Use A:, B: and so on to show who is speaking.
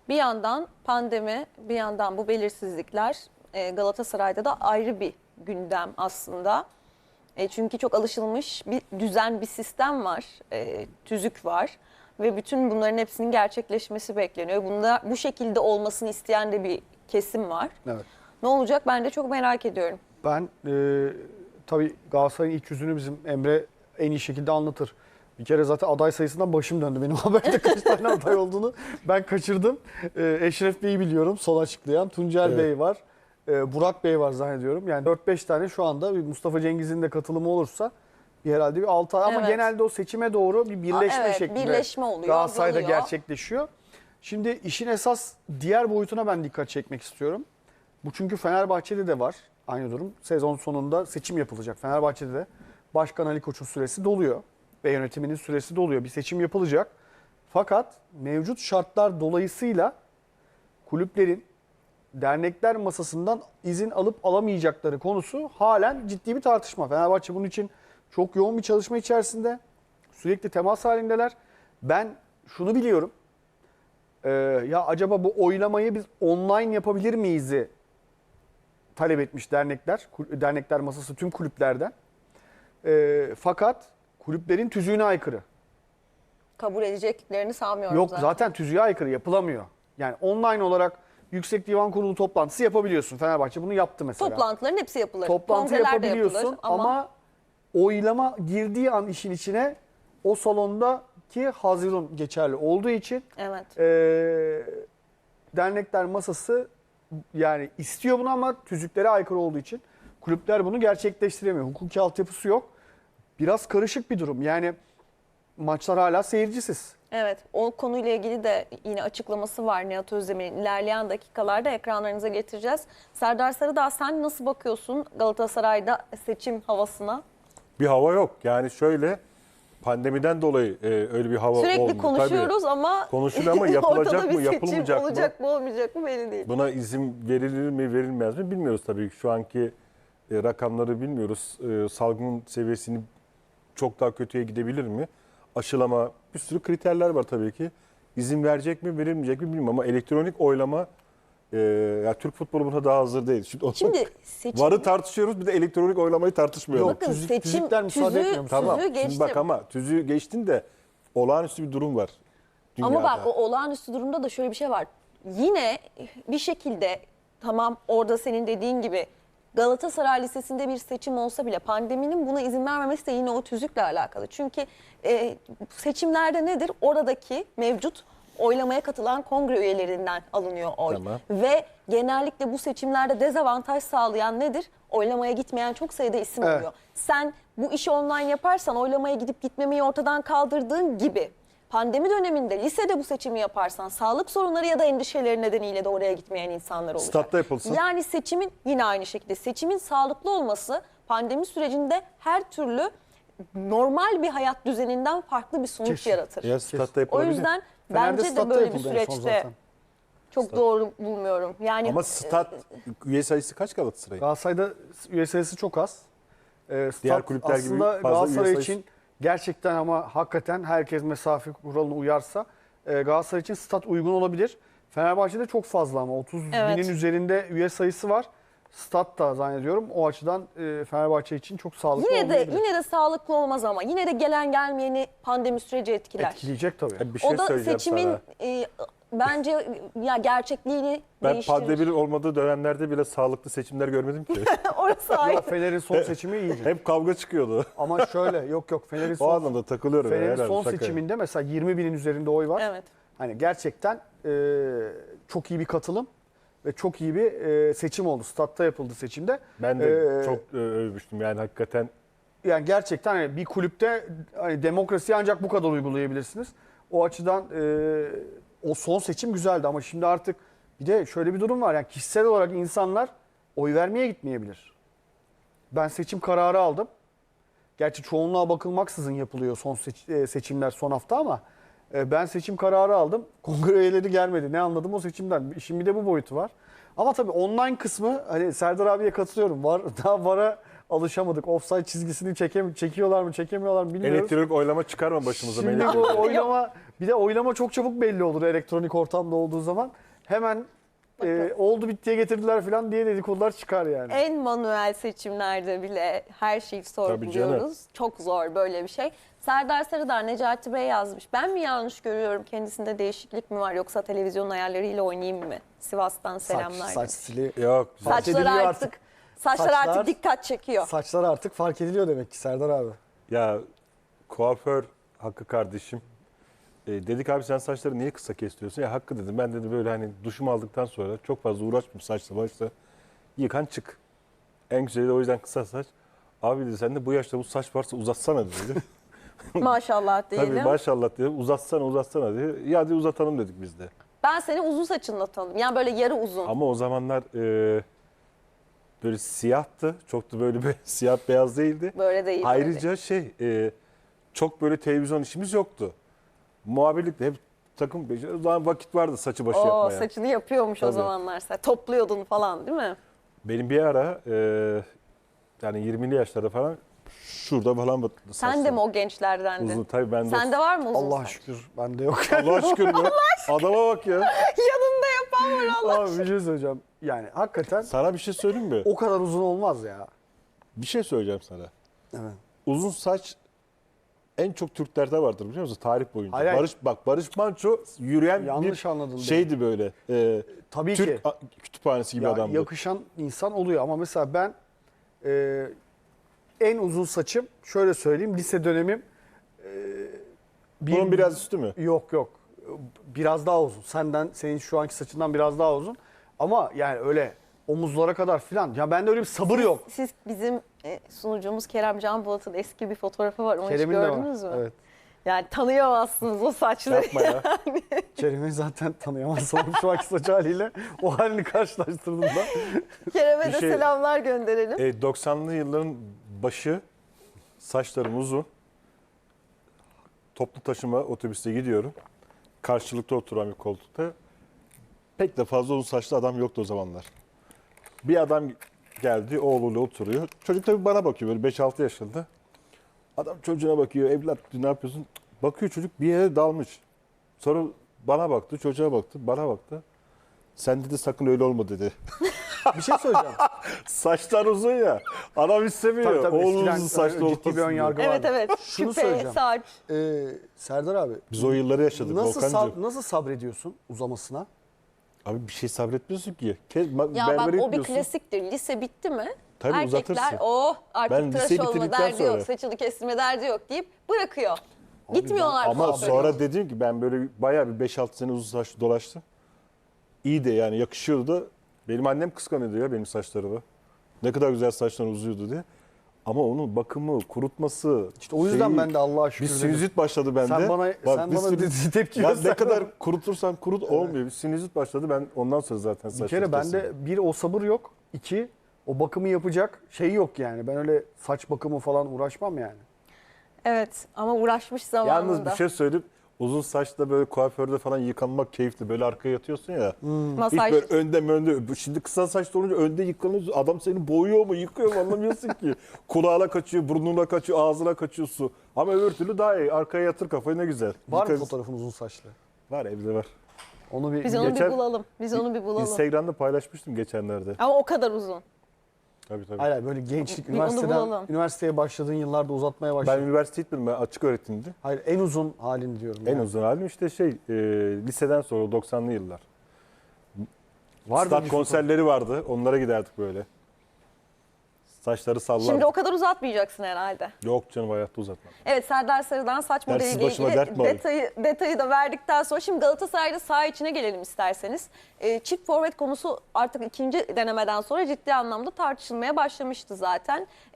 A: Bir yandan pandemi, bir yandan bu belirsizlikler Galatasaray'da da ayrı bir gündem aslında. Çünkü çok alışılmış bir düzen, bir sistem var, tüzük var ve bütün bunların hepsinin gerçekleşmesi bekleniyor. Bunda bu şekilde olmasını isteyen de bir kesim var.
B: Evet.
A: Ne olacak ben de çok merak ediyorum.
B: Ben tabii Galatasaray'ın iç yüzünü bizim Emre en iyi şekilde anlatır. Bir kere zaten aday sayısından başım döndü. Benim haberde kaç tane aday olduğunu ben kaçırdım. Eşref Bey'i biliyorum son açıklayan. Tuncel
C: Evet.
B: Bey var. Burak Bey var zannediyorum. Yani 4-5 tane şu anda bir Mustafa Cengiz'in de katılımı olursa herhalde bir 6 ay. Ama
A: Evet.
B: genelde o seçime doğru bir birleşme
A: Evet,
B: şeklinde
A: birleşme oluyor,
B: Galatasaray'da
A: azalıyor.
B: gerçekleşiyor. Şimdi işin esas diğer boyutuna ben dikkat çekmek istiyorum. Bu çünkü Fenerbahçe'de de var aynı durum. Sezon sonunda seçim yapılacak. Fenerbahçe'de de Başkan Ali Koç'un süresi doluyor ve yönetiminin süresi doluyor. Bir seçim yapılacak. Fakat mevcut şartlar dolayısıyla kulüplerin dernekler masasından izin alıp alamayacakları konusu halen ciddi bir tartışma. Fenerbahçe bunun için çok yoğun bir çalışma içerisinde. Sürekli temas halindeler. Ben şunu biliyorum. Ya acaba bu oylamayı biz online yapabilir miyiz'i talep etmiş dernekler. Dernekler masası tüm kulüplerden. Fakat kulüplerin tüzüğüne aykırı.
A: Kabul edeceklerini sanmıyorum
B: Yok zaten tüzüğe aykırı yapılamıyor. Yani online olarak Yüksek Divan Kurulu toplantısı yapabiliyorsun. Fenerbahçe bunu yaptı mesela.
A: Toplantıların hepsi yapılır.
B: Toplantı
A: Kongreler de
B: yapabiliyorsun
A: yapılır
B: ama oylama girdiği an işin içine o salondaki Haziran geçerli olduğu için
A: Evet.
B: dernekler masası yani istiyor bunu ama tüzüklere aykırı olduğu için kulüpler bunu gerçekleştiremiyor. Hukuki altyapısı yok. Biraz karışık bir durum. Yani maçlar hala seyircisiz.
A: Evet, o konuyla ilgili de yine açıklaması var Nihat Özdemir'in. İlerleyen dakikalarda ekranlarınıza getireceğiz. Serdar Sarıdağ, sen nasıl bakıyorsun Galatasaray'da seçim havasına?
C: Bir hava yok. Yani şöyle pandemiden dolayı öyle bir hava
A: Sürekli
C: olmuyor.
A: konuşuyoruz
C: Tabii.
A: ama
C: Konuşuluyor ama yapılacak
A: ortada bir
C: mı,
A: seçim
C: yapılmayacak mı?
A: olacak mı olmayacak mı belli değil.
C: Buna izin verilir mi, verilmez mi bilmiyoruz tabii. Şu anki rakamları bilmiyoruz. Salgın seviyesini çok daha kötüye gidebilir mi? Aşılama, bir sürü kriterler var tabii ki. İzin verecek mi, verilmeyecek mi bilmiyorum ama elektronik oylama ya Türk futbolu buna daha hazır değil.
A: Şimdi seçim...
C: VAR'ı tartışıyoruz, bir de elektronik oylamayı tartışmıyoruz.
B: Yok,
A: Bakın
B: tüzükler müsaade etmiyor mu?
C: Tamam.
A: tüzüğü
C: Şimdi
A: geçtim.
C: bak ama tüzüğü geçtin de olağanüstü bir durum var dünyada.
A: Ama bak o olağanüstü durumda da şöyle bir şey var. Yine bir şekilde tamam orada senin dediğin gibi Galatasaray Lisesi'nde bir seçim olsa bile pandeminin buna izin vermemesi de yine o tüzükle alakalı. Çünkü seçimlerde nedir? Oradaki mevcut oylamaya katılan kongre üyelerinden alınıyor oy.
C: Tamam.
A: Ve genellikle bu seçimlerde dezavantaj sağlayan nedir? Oylamaya gitmeyen çok sayıda isim
B: Evet.
A: oluyor. Sen bu işi online yaparsan oylamaya gidip gitmemeyi ortadan kaldırdığın gibi pandemi döneminde lisede bu seçimi yaparsan sağlık sorunları ya da endişeleri nedeniyle de oraya gitmeyen insanlar olacak.
C: Statta yapılsın.
A: Yani seçimin yine aynı şekilde seçimin sağlıklı olması pandemi sürecinde her türlü normal bir hayat düzeninden farklı bir sonuç
B: Kesin.
A: yaratır.
C: Ya statta
A: O
C: yapılabilir.
A: yüzden
B: Fener'de
A: bence de
B: statta
A: böyle bir
B: yapıldı en son
A: süreçte
B: zaten.
A: çok doğru bulmuyorum. Yani
C: Ama stat üye sayısı kaç Galatasaray'ın?
B: Galatasaray'da üye sayısı çok az. Stat
C: Diğer kulüpler gibi
B: aslında
C: fazla
B: Galatasaray
C: üye sayısı-
B: için gerçekten ama hakikaten herkes mesafe kuralına uyarsa Galatasaray için stat uygun olabilir. Fenerbahçe'de çok fazla ama 30
A: Evet.
B: binin üzerinde üye sayısı var. Stat da zannediyorum o açıdan Fenerbahçe için çok sağlıklı olmayabilir.
A: yine de sağlıklı olmaz ama yine de gelen gelmeyeni pandemi süreci etkiler.
B: Etkileyecek tabii.
C: Bir şey
A: O da
C: söyleyeceğim
A: seçimin
C: sana.
A: bence ya gerçekliğini
C: Ben
A: değiştirir.
C: pandeminin olmadığı dönemlerde bile sağlıklı seçimler görmedim ki.
A: Orası ayrı.
B: Yok, Fener'in son seçimi iyiydi.
C: Hep kavga çıkıyordu.
B: Ama şöyle yok Fener'in
C: O
B: son,
C: anlamda takılıyorum.
B: Fener'in
C: herhalde,
B: son
C: şaka.
B: seçiminde mesela 20 binin üzerinde oy var.
A: Evet.
B: Hani gerçekten çok iyi bir katılım ve çok iyi bir seçim oldu. Statta yapıldı seçimde.
C: Ben de
B: Ee,
C: çok övmüştüm yani hakikaten.
B: Yani gerçekten hani bir kulüpte hani demokrasiyi ancak bu kadar uygulayabilirsiniz. O açıdan o son seçim güzeldi ama şimdi artık bir de şöyle bir durum var. Yani kişisel olarak insanlar oy vermeye gitmeyebilir. Ben seçim kararı aldım. Gerçi çoğunluğa bakılmaksızın yapılıyor son seçimler son hafta ama ben seçim kararı aldım. Kongre üyeleri gelmedi. Ne anladım o seçimden? İşin bir de bu boyutu var. Ama tabii online kısmı hani Serdar abiye katılıyorum. Var, daha VAR'a alışamadık. Offside çizgisini çekiyorlar mı çekemiyorlar mı bilmiyoruz.
C: Elektronik oylama çıkarma başımıza.
B: Şimdi
C: Melih.
B: bu oylama, bir de oylama çok çabuk belli olur elektronik ortamda olduğu zaman. Hemen oldu bittiye getirdiler falan diye dedikodular çıkar yani.
A: En manuel seçimlerde bile her şeyi sorguluyoruz. Çok zor böyle bir şey. Serdar Sarıdağ, Necati Bey yazmış. Ben mi yanlış görüyorum? Kendisinde değişiklik mi var yoksa televizyon ayarlarıyla oynayayım mı? Sivas'tan selamlar.
B: Saç stili.
C: Yok.
B: Fark
A: Saçları
B: ediliyor
A: artık saçlar artık dikkat çekiyor.
B: Saçlar artık fark ediliyor demek ki Serdar abi.
C: Ya kuaför Hakkı kardeşim. Dedik abi sen saçları niye kısa kesiyorsun? Ya Hakkı dedim ben dedi böyle hani duşumu aldıktan sonra çok fazla uğraşmıyorum saçla başla. Yıkan çık. En güzeli de o yüzden kısa saç. Abi dedi sen de bu yaşta bu saç varsa uzatsana dedi.
A: Maşallah diyelim.
C: Tabii maşallah dedi uzatsana dedi. Ya hadi uzatalım dedik biz de.
A: Ben seni uzun saçınla tanıdım. Yani böyle yarı uzun.
C: Ama o zamanlar böyle siyahtı. Çok da böyle bir siyah beyaz değildi.
A: Böyle değil.
C: Ayrıca çok böyle televizyon işimiz yoktu. Muhabirlikte hep takım o zaman vakit vardı saçı başı
A: Oo,
C: yapmaya.
A: saçını yapıyormuş o
C: Tabii.
A: zamanlar sen. Topluyordun falan değil mi?
C: Benim bir ara yani 20'li yaşlarda falan şurada falan
A: Sen de mi o gençlerdendin?
C: uzun tabii ben de.
A: Sende var mı uzun
B: Allah
A: saç?
B: şükür bende yok.
C: Allah şükür mü? Adama bak ya.
A: Yanında yapan var Allah.
B: Abi bir şey söyleyeceğim. Yani hakikaten
C: Sana bir şey söyleyeyim mi?
B: o kadar uzun olmaz ya.
C: Bir şey söyleyeceğim sana.
B: Evet.
C: Uzun saç en çok Türklerde vardır biliyor musun? Tarih boyunca.
B: Hayır, hayır.
C: Barış Manço yürüyen
B: Yanlış
C: bir
B: anladın
C: şeydi böyle.
B: Tabii
C: Türk
B: ki.
C: kütüphanesi gibi
B: Ya,
C: adamdı.
B: yakışan insan oluyor ama mesela ben en uzun saçım şöyle söyleyeyim lise dönemim
C: Bunun biraz üstü mü?
B: yok biraz daha uzun. Senin şu anki saçından biraz daha uzun. Ama yani öyle omuzlara kadar filan. Ya bende öyle bir sabır yok.
A: Siz bizim sunucumuz Kerem Can Bulat'ın eski bir fotoğrafı var. Onu
B: Kerem'in
A: hiç
B: de var.
A: gördünüz mü?
B: Evet.
A: Yani tanıyamazsınız o saçları.
C: Yapma ya.
B: Kerem'i zaten tanıyamazsın şu anki saç haliyle. O halini karşılaştırdığımda.
A: Kerem'e
C: Bir
A: de
C: şey-
A: selamlar gönderelim.
C: 90'lı yılların başı saçlarım uzun. Toplu taşıma otobüste gidiyorum. Karşılıklı oturan bir koltukta. Pek de fazla uzun saçlı adam yoktu o zamanlar. Bir adam geldi oğluyla oturuyor. Çocuk tabii bana bakıyor böyle 5-6 yaşında. Adam çocuğuna bakıyor. Evlat ne yapıyorsun? Bakıyor çocuk bir yere dalmış. Sonra bana baktı, çocuğa baktı, bana baktı. Sen dedi sakın öyle olma dedi.
B: Bir şey söyleyeceğim.
C: Saçlar uzun ya. Adam istemiyor.
B: Tabii,
C: Oğlum
B: eskiden
C: uzun saçlı
B: ciddi bir
C: olmasın
B: ön
C: diye.
B: yargı
A: Evet
B: vardı.
A: evet.
B: Şunu
A: Küpe,
B: söyleyeceğim.
A: saç.
B: Serdar abi
C: Biz o yılları yaşadık Volkan'cığım.
B: nasıl sabrediyorsun uzamasına?
C: Abi bir şey sabretmiyorsun ki.
A: Ya bak
C: Berbere
A: o bir
C: gitmiyorsun.
A: klasiktir. Lise bitti mi?
C: Tabii
A: Erkekler
C: uzatırsın.
A: artık
C: Ben
A: tıraş
C: liseyi
A: olma
C: bitirdikten
A: derdi yok,
C: sonra.
A: saçını kestirme derdi yok deyip bırakıyor.
B: Abi
A: Gitmiyorlar.
C: Ama
A: kuaföre.
C: sonra dedim ki ben böyle bayağı bir 5-6 sene uzun saçlı dolaştım. İyi de yani yakışıyordu da. Benim annem kıskanıyordu ya benim saçlarımı. Ne kadar güzel saçlar uzuyordu diye. Ama onun bakımı, kurutması.
B: İşte o yüzden ben de Allah'a şükür
C: Bir
B: dedim.
C: sinüzit başladı bende.
B: Sen bana tepki
C: Ya ne
B: gösterdin.
C: kadar kurutursan kurut olmuyor. Bir sinüzit başladı. Ben ondan sonra zaten
B: Bir
C: saçları
B: kere
C: kestim.
B: bende bir o sabır yok. İki o bakımı yapacak şey yok yani. Ben öyle saç bakımı falan uğraşmam yani.
A: Evet ama uğraşmış zamanında.
C: Yalnız bir şey söyleyip uzun saçta böyle kuaförde falan yıkanmak keyifli. Böyle arkaya yatıyorsun ya. Hiç
A: Masaj.
C: böyle önde. Şimdi kısa saçlı olunca önde yıkanıyorsun. Adam seni boyuyor mu yıkıyor mu anlamıyorsun ki. Kulağına kaçıyor, burnuna kaçıyor, ağzına kaçıyor su. Ama öbür türlü daha iyi. Arkaya yatır kafayı ne güzel.
B: Var mı
C: Yıka-
B: fotoğrafın uzun saçlı?
C: Var evde var.
B: Onu bir
A: Biz onu
C: Geçen-
A: bir bulalım. Biz onu bir bulalım.
C: Instagram'da paylaşmıştım geçenlerde.
A: Ama o kadar uzun.
C: Tabii.
B: hayır, hayır, böyle gençlik
A: Bir onu bulalım.
B: üniversiteye başladığın yıllarda uzatmaya
C: Ben
B: başladın.
C: üniversite gitmedim. Ben açık öğretimdi.
B: Hayır, en uzun halini diyorum.
C: En
B: yani.
C: uzun halim işte liseden sonra 90'lı yıllar.
B: Vardı
C: Stat
B: bir
C: konserleri vardı. Onlara giderdik böyle. Saçları sallardık.
A: Şimdi o kadar uzatmayacaksın herhalde.
C: Yok canım hayatta uzatmam.
A: Evet Serdar Sarı'dan saç
C: Dersiz
A: modeliyle
C: başıma
A: ilgili
C: dert mi alayım?
A: detayı da verdikten sonra şimdi Galatasaray'da saha içine gelelim isterseniz. Çift forvet konusu artık ikinci denemeden sonra ciddi anlamda tartışılmaya başlamıştı zaten.